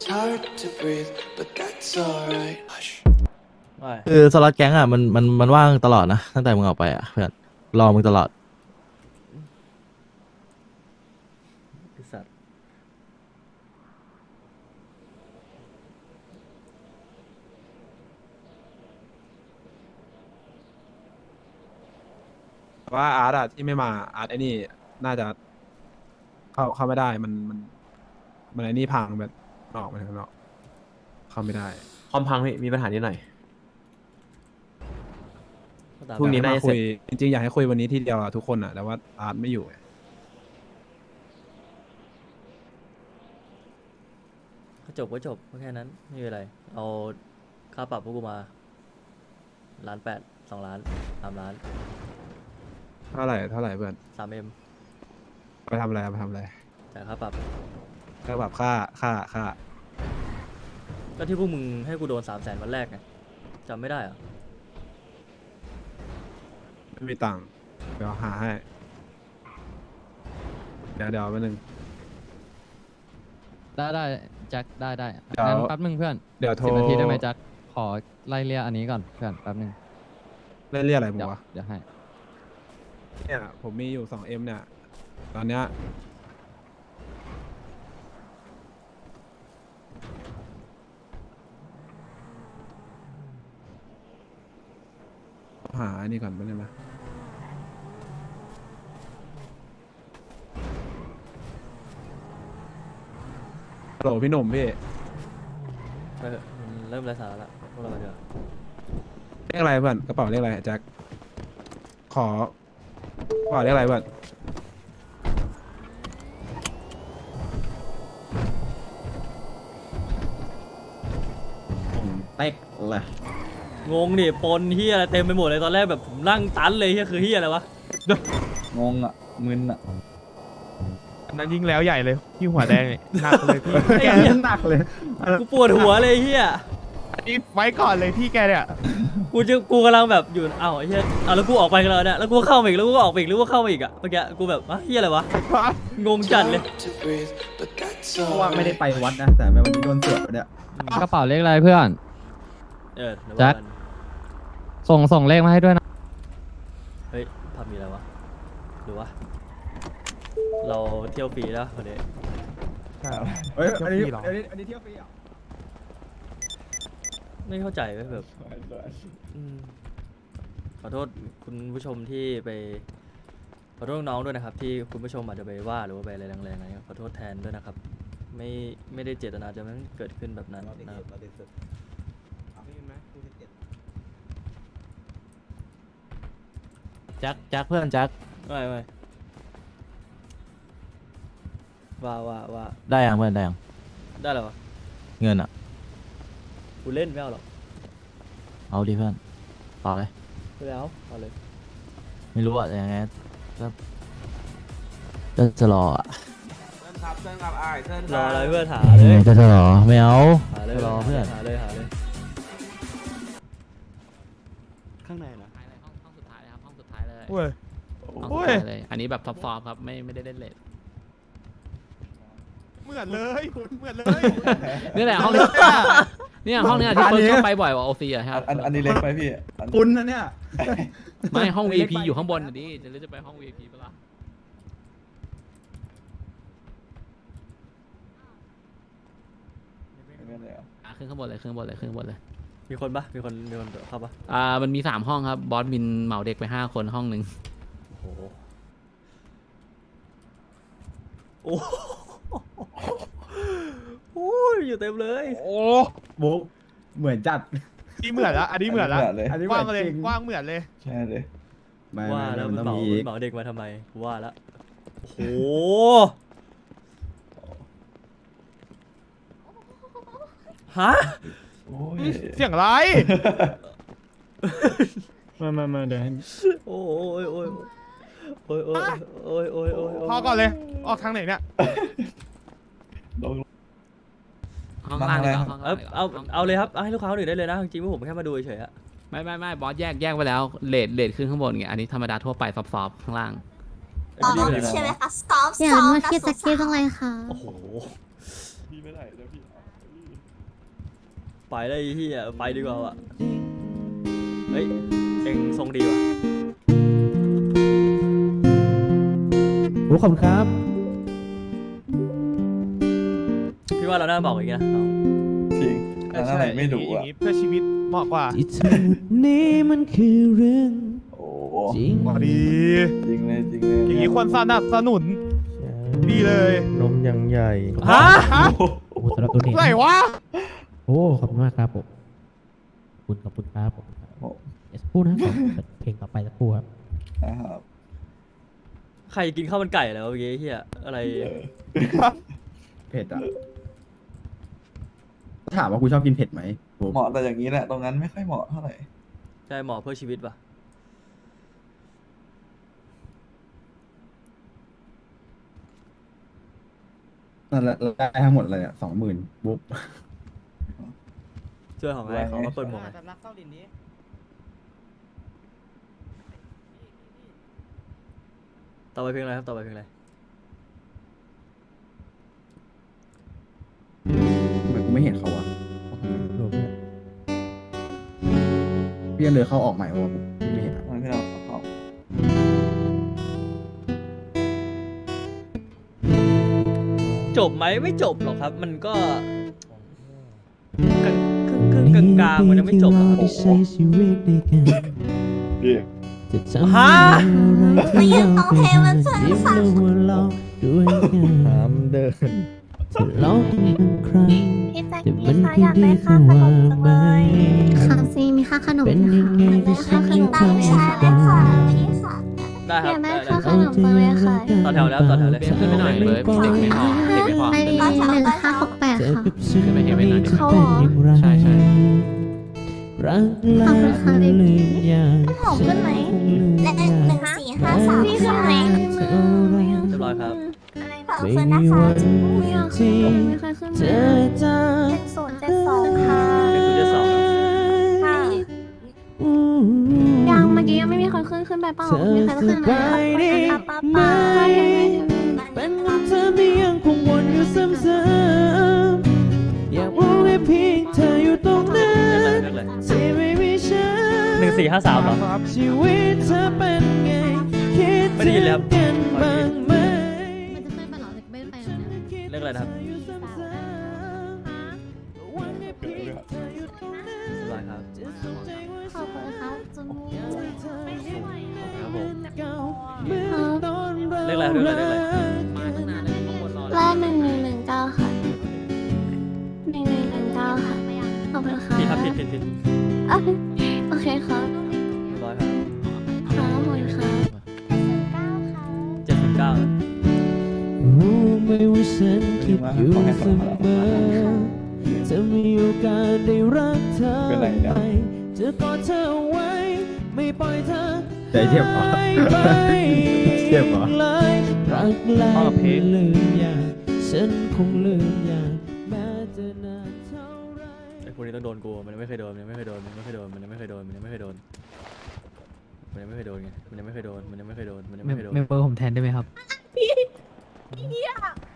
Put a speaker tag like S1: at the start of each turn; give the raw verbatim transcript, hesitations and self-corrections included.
S1: คือสล็อตแก๊งอ่ะมันมันมันว่างตลอดนะตั้งแต่มึงออกไปอ่ะเพื่อนรอมึงตลอด
S2: ไอ้สัตว์
S3: ว่าอาร์ตอะที่ไม่มาอาร์ตไอ้นี่น่าจะเข้าเข้าไม่ได้มันมันมันไอ้นี่พังแบบออกมาข้างนอกเข้าไม่ได้
S4: คอมพังพี่มีปัญหานิดหน่อย
S2: ก็ตาม
S4: พรุ่งนี้
S3: อยากให้
S4: น่าจะ
S3: มาคุย
S4: เสร็จ
S3: จริงๆอยากให้คุยวันนี้ทีเดียวอะทุกคนอะแต่ว่าอาร์ตไม่อยู่ไง
S2: ก็จบก็จบก็แค่นั้นไม่มีอะไรเอาค่าปรับพวกกูมาล้านแปดสองล้านสามล้าน
S3: เท่าไหร่เท่าไหร่เพื่อน
S2: สามเอ็ม
S3: ไปทำอะไรไปทำอะไร
S2: จ่ายค่าปรับ
S3: ก็แบบค่าค่าค่า
S2: ก็ที่พวกมึงให้กูโดนสามแสนวันแรกไงจำไม่ได้เหรอ
S3: ไม่มีตังค์เดี๋ยวหาให้เดี๋ยวเดี๋ยวแป๊บนึง
S5: ได้ได้แจ็คได้ได้
S3: เดี๋ยว
S5: งั้นแป๊บนึงเพื่อน
S3: เดี๋ยวโทร
S5: สิบนาทีได้ไหมแจ็คขอไล่เรียกอันนี้ก่อนเพื่อนแป๊บนึง
S3: เล่นเรียกอะไรมึ
S5: เดี๋
S3: ง
S5: ยว
S3: วะ
S5: เดี๋ยวให้
S3: เนี่ยผมมีอยู่สองเอ็มเนี่ยตอนเนี้ยหาอันนี้ก่อนไปเลยนะฮัลโหลพี่หนุ่มพี่
S2: ไปเถอะมันเริ่มไร้สาระละพวกเราไปเถอะ
S3: เรียกอะไรเพื่อนกระเป๋าเรียกอะไรแจ็คขอกระเป๋าเรียกอะไรเพื่อน
S4: เต็กเลย
S2: งงดิปนเฮียอะไรเต็มไปหมดเลยตอนแรกแบบผมนั่งตันเลยเฮียคือเฮียอะไรวะ
S4: งงอ่ะมึนอ่ะ
S6: อันนั้นยิ่งแล้วใหญ่เลยที่หัวแดงเนี่ยหนักเลยพี่
S2: ไอ้เหี้ย
S4: หนักเลย
S2: กูปวดหัวเลยเฮีย
S6: อันนี้ไว้ก่อนเลยพี่แกเนี่ย
S2: กูจะกูกำลังแบบอยู่อ้าวไอ้เฮียอ้าวแล้วกูออกไปกันแล้วเนี่ยแล้วกูเข้ามาอีกแล้วกูก็ออกไปอีกแล้วกูเข้ามาอีกอะเมื่อกี้กูแบบอ่ะเฮียอะไรวะงงจัดเลย
S4: เพราะว่าไม่ได้ไปวัดนะแต่วันนี้โดนเสือกเนี่ย
S5: กระเป๋าเลขอะไรเพื่อน
S2: เออเดี๋ยว
S5: แจ็
S2: ว่า
S5: ค
S2: กัน
S5: ส่งส่งเลขมาให้ด้วยนะ
S2: เฮ้ยภาพมีอะไรวะหรือวะเราเที่ยวฟรีแล้ววันนี้
S4: เฮ้ยอันนี้
S6: เที่ยวฟรีเหรอ
S4: อันนี้อันนี้เที่ยวฟรีเหรอ
S2: ไม่เข้าใจเว้ยแบบอืมขอโทษคุณผู้ชมที่ไปขอโทษน้องๆด้วยนะครับ ที่คุณผู้ชมอาจจะไปว่าหรือว่าไปอะไรแรงๆอะไรเงี้ยขอโทษแทนด้วยนะครับ ไม่ไม่ได้เจตนาจะมันเกิดขึ้นแบบนั้นนะครับ
S1: แจ็คแจ็คเพื่อนแจ็ค
S2: ไม่ไม่ว่าว่าว่า
S1: ได้ยังเพื่อนได้ยัง
S2: ได้แล้ววะ
S1: เงินอ่ะ
S2: กูเล่นไม่เอาหรอก
S1: เอาดิเพื่อนต่อเลย
S2: ไม่เอาเอาเลย
S1: ไม่รู้อ่ะยังไงก็ก็จะรออ่ะ
S2: รออะไรเพื่อนหา
S1: เอ
S2: เล
S1: อย ก็จะรอไม่เอา
S2: หาเลย
S1: จะรอเพื่อน
S2: หาเลยหาเลย
S7: ข้างในนะ
S5: ห้องห้องสุดท้ายเลยครับห้องสุดท้ายเลย
S6: โอ้ย
S5: ห้อง
S6: โอ้
S5: สุด
S6: ย
S5: ท้ายเลยอันนี้แบบท็อปฟอร์มครับไม่ไม่ได้เล่นเลท
S6: เหมือนเลยเหมือนเลย
S5: นี่แหละห้องนี้เนี่ยห้องเนี้ยที่เฟิร์สชอบไปบ่อยกว่าโอซีอะครับ
S7: อันอันนี้เล็กไปพี่อัน
S4: คุณนะเนี่ย
S5: ไม่ห้อง วี ไอ พี อยู่ข้างบนอ่ะดิจะเลือกจะไปห้อง วี ไอ พี ปะล่ะ
S7: ไม่ได้อะ
S5: อ่ะขึ้นข้างบนเลยขึ้นข้างบนเลยขึ้นข้างบนเลย
S2: มีคนปะมีคนมีคนเข้าปะ
S5: อ่ามันมีสามห้องครับบอสบินเหมาเด็กไปห้าคนห้องหนึ่ง
S2: โอ้โหโอ้โหโอ้ยอยู่เต็มเลย
S6: โอ้
S4: บุ๊กเหมือนจัด
S6: นี่เหมือนละอันนี้เหมือนละ
S7: เลย
S4: อันนี้
S6: กว้างเลย
S4: จริง
S6: กว้างเหมือนเลย
S7: ใช่เลย
S4: ไม่
S2: ว่า
S4: ไม่
S2: แล้ว
S4: มัน
S2: มัน
S4: ต้อง
S2: เหมา
S4: มีอีก
S2: เหมาเด็กมาทำไมว่าแล้วโอ้โห ฮะ
S7: โอ้ย
S6: เสียงไร
S4: มามามาเดี๋ยวให้
S2: โอ้ยโอ้ยโอ้ยโอ้ยโอ้ยโอ้ยโอ้ยโอ้ย
S6: พอก่อนเลย ออกทางไหนเนี่ย
S7: ลง
S5: ห้องล่างเลยห้อง
S2: เอา
S5: ล่าง
S2: เอาเอาเลยครับเอาให้ลูกค้าคนอื่นได้เลยนะจริงๆว่าผมแค่มาดูเฉยๆอะ
S5: ไม่ไม่ไม่บอสแยกแยกไปแล้วเลทเลทขึ้นข้างบนไงอันนี้ธรรมดาทั่วไปซอฟๆข้างล่าง
S2: ไอ้พี่ดีเลย
S8: ใช่ไหม
S2: นะ
S8: คะซ้อม
S9: อยาก
S8: ซ้อ
S9: รู้
S8: ม
S9: ว่า
S8: นะ
S9: คิด
S8: สุ
S9: สักคิด
S8: สา
S9: จังเลยค่ะ
S2: โอ้โห
S7: พี่ไม่ได้แล้วพี่
S2: ไปได้ไอ้เฮียไปดีกว่าว่ะเฮ้ยเอ็งทรงดีว่ะ
S4: โอ้ขอบคุณครับ
S2: พี่ว่าเราน่าบอกอย่างงี้นะน้อง
S7: จริงอันนั้นไหนไม่รู้
S6: อย่า
S7: อ่ะ
S6: งนี้เพื่อชีวิตเหมาะกว่า
S1: ที่ทั้งหมดนี้มันคือเรื่อง
S7: โอ้
S1: จริง
S6: พอดี
S7: จริงเลยจริงเลย
S6: อย่างนี้ควรสนับสนุนดีเลย
S8: นมยังใหญ่
S2: ฮะ
S8: โอ้โหสำหรับตัวนี้
S6: ไหนวะ
S8: โอ้ขอบคุณมากครับผมขอบคุณขอบคุณครับผม
S7: โอ้
S8: เดี๋ยวสักครู่นะขอเปิดเพลงต่อไปสักครู่ครับ
S7: นะครับ
S2: ใครกินข้าวมันไก่แล้วเมื่อกี้เฮียอะไร
S7: เออ
S4: เผ็ดอ่ะถามว่ากูชอบกินเผ็ดไหมโอ้
S7: เหมาะแต่อย่างนี้แหละตรงนั้นไม่ค่อยเหมาะเท่าไหร่
S2: ใช่หมอเพื่อชีวิตป่ะ
S4: นั่นแหละได้ทั้งหมดเลยอ่ะสองหมื่นบุ๊บ
S2: ช่วยของไอ้เขามาเปิดหมวกหน่อยต่อไปเพลงอะไรครับต่อไปเพลงอะไร
S4: ทำไมกูไม่เห็นเขาอ่ะ
S8: รวมเนี่ย
S4: พี่ยังเลยเข้าออกใหม่วะพี่ไม่เห็นอะ
S7: มันพี่เราเขา
S2: จบไหมไม่จบหรอกครับ มันก็กึ่งกึ่งกึ่งกลางๆมันยังไม่จบหรอกครับ
S8: ที่ใช้ชีวิตด้วยกัน
S7: พี่
S8: จะทำ
S2: ฮะ
S8: อะไรที่เราไปหายิ้มแล้วหัวเราะด้วยกันถามเดินจะร้องอีกครั้ง
S9: พี่แจ็ค
S8: แต่
S9: กี้
S8: มัน
S9: คะ
S8: ก็
S9: อยาก
S8: ดี
S9: ได้
S8: คื
S9: ค่า
S8: อ
S9: ขน
S8: ว่าม
S9: จัง
S8: ไหม
S9: เลยค่ะซีมีค่าขนม
S8: เป็นยังไงที่ฉัน
S9: ข
S8: ยั
S9: น
S8: ง
S9: มตาม
S8: ทำ
S9: ใช่
S8: ได้
S9: ค่ะพี่ค่ะ
S2: ได้ค
S9: อ
S2: รับ
S9: ยากได้
S2: ได้ได้
S9: ค่าขนมจังเลยค่ะ
S2: ต่อแถวแล้วต่อแถวเลย
S5: เบนขึ้นไปหน่อยเลยเด็กไม่พอเด็กไม่พอ
S9: ไอดีหนึ่งห้าหกแปด
S8: เจอ
S9: ค่ะ
S8: กับฉัน
S5: ขึ้นไปเฮเว่นหน่อยดิ
S8: จะเป็นอย่างไร
S5: ใช่ใช่
S8: รักแล้วคงลืมอย่าง
S9: หอมขึ้นไหม
S8: คงลืม
S9: และ
S8: อย่าง
S9: หนึ่งสี่ห้าสามพี่ขึ้นไหม
S8: เท่าไร
S2: เรียบร้อยครับ
S9: ขอบคุณนะคะไม่อยากขึ้นไม่เคยขึ้น
S8: เจ
S9: เล
S8: อย จะ
S9: เป็นศูนย์เจ็ดสองค่ะ
S2: เป็นศูนย์เจ็ดสองครับ
S9: ค่ะยังเมื่อกี้ยังไม่มีคนขึ้นขึ้นไปเปล่ามีใครขึ้นไหมป้าป้าป้า
S8: เป็นของเธอที่ยังคงวนอยู่ซ้ำๆอยากรู้ให้เพียงเธออยู่ตรงนั้น
S2: เรียกอะไรเรียกอะไร
S8: ที่ไม่มีฉัน
S2: หนึ่งสี่ห้าสามเหรอ
S8: ชีวิตเธอเป็นไงคิด
S2: ไม่ได้ยินเลยครับ
S8: ถึงกันบ้างไหม
S9: มันจะขึ้นไปเหรอไม่ไปแล้วเนี่ย
S2: เรียกอะไรนะครับเรียบร้อยครับ
S9: ขอบคุณครับจุ๊บ
S2: ครับผม
S8: เรี
S2: เรี
S8: ย
S2: ย
S8: ก
S2: ก
S8: อะ
S2: อะไร ไร
S8: เรี
S2: เรี
S8: ย
S2: ย
S8: ก
S2: ก
S8: อะ
S2: อะไร ไร
S8: เรียกอะไร
S5: มาตั้งนานแล้วข้างบนรอ
S9: แรกหนึ่งหนึ่งหนึ่งเก้าค่ะหนึ่งหนึ่งหนึ่งเก้าค่ะขอบคุณค่ะ
S2: ผิดครับผิดผิดผิด
S9: อ่ะโอเคครับ
S2: เรียบร้อยครับ
S9: ครับขอบคุณครับ
S2: เจ็ดสิบเก้า
S8: รู้ไหมว่าฉันคิดอยู่เสมอจะมีโอกาสได้รักเธอ
S7: เป็นไรเนี่ย
S8: ไปจะกอดเธอเอาไว้ ไม่ปล่อยเธอ
S4: ใจเทียบเหรอ
S8: หายไป
S4: เทียบเหรอ
S8: เลยรักแล้
S6: อ้
S8: ว
S6: อเพลง
S8: ลืมอย่างฉันคงลืมอย่างแม้จะนานเท่าไร
S2: ไอ้พวกนี้ต้องโดนกูมันยังไม่เคยโดนมันยังไม่เคยโดนมันยังไม่เคยโดนมันยังไม่เคยโดนมันยังไม่เคยโดนมันยังไม่เคยโดนไงมันยังไม่เคยโดนมันยังไม่เคยโดนมันยังไม่เคยโดน
S5: เมมเบอร์ผมแทนได้ไหมครับ